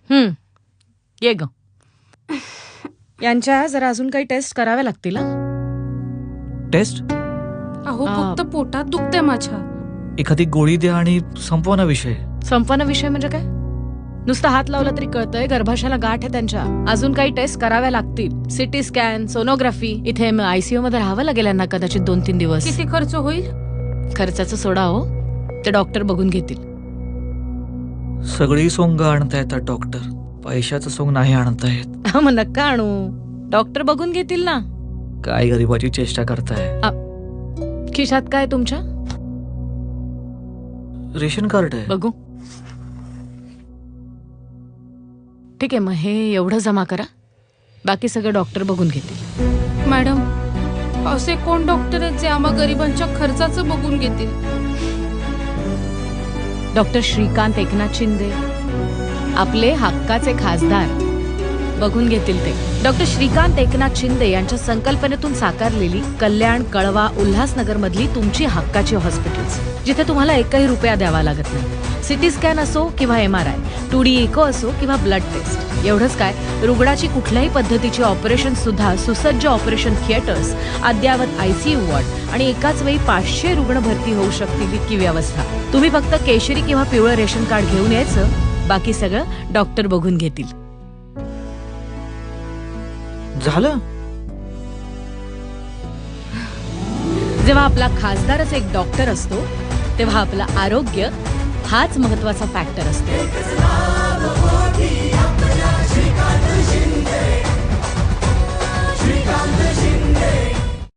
ये ग. यांच्या जरा अजून काही टेस्ट कराव्या लागतील. टेस्ट? अहो फक्त पोटात दुखते माझ्या. एखादी गोळी द्या आणि संपवा विषय. संपन्न विषय म्हणजे काय? नुसतं हात लावला तरी कळतंय गर्भाशयाला गाठ आहे त्यांच्या. अजून काही टेस्ट कराव्या लागतील. CT scan, sonography. इथे ICU मध्ये राहावं लागेल यांना कदाचित 2-3 दिवस. किती खर्च होईल? खर्चाचं सोडा हो, ते डॉक्टर बघून घेतील. सगळी सोंग आणता येतात डॉक्टर, पैशाचं सोंग नाही आणता येत. मग नका आणू, डॉक्टर बघून घेतील ना. काय गरीबाची चेष्टा करताय. खिशात काय तुमच्या? रेशन कार्ड आहे. बघू. ठीक आहे, मग हे एवढं जमा करा, बाकी सगळं डॉक्टर बघून घेतील. मॅडम, असे कोण डॉक्टर आहेत जे आम्हा गरिबांच्या खर्चाचं बघून घेतील? डॉक्टर श्रीकांत एकनाथ शिंदे, आपले हक्काचे खासदार, बघून घेतील ते. डॉक्टर श्रीकांत एकनाथ शिंदे यांच्या संकल्पनेतून साकारलेली कल्याण, कळवा, उल्हासनगर मधली तुमची हक्काची हॉस्पिटल्स, जिथे तुम्हाला एकही रुपया द्यावा लागत नाही. सिटी स्कॅन असो किंवा MRI, 2D इको असो किंवा ब्लड टेस्ट. एवढंच काय, रुग्णाची कुठल्याही पद्धतीची ऑपरेशन सुद्धा सुसज्ज ऑपरेशन थिएटर्स, अद्ययावत ICU वॉर्ड आणि एकाच वेळी 500 रुग्ण भरती होऊ शकतील इतकी व्यवस्था. तुम्ही फक्त केशरी किंवा पिवळं रेशन कार्ड घेऊन यायचं, बाकी सगळं डॉक्टर बघून घेतील. झालं. जेव्हा आपला खासदारच एक डॉक्टर असतो, तेव्हा आपलं आरोग्य हाच महत्वाचा फॅक्टर असतो. श्रीकांत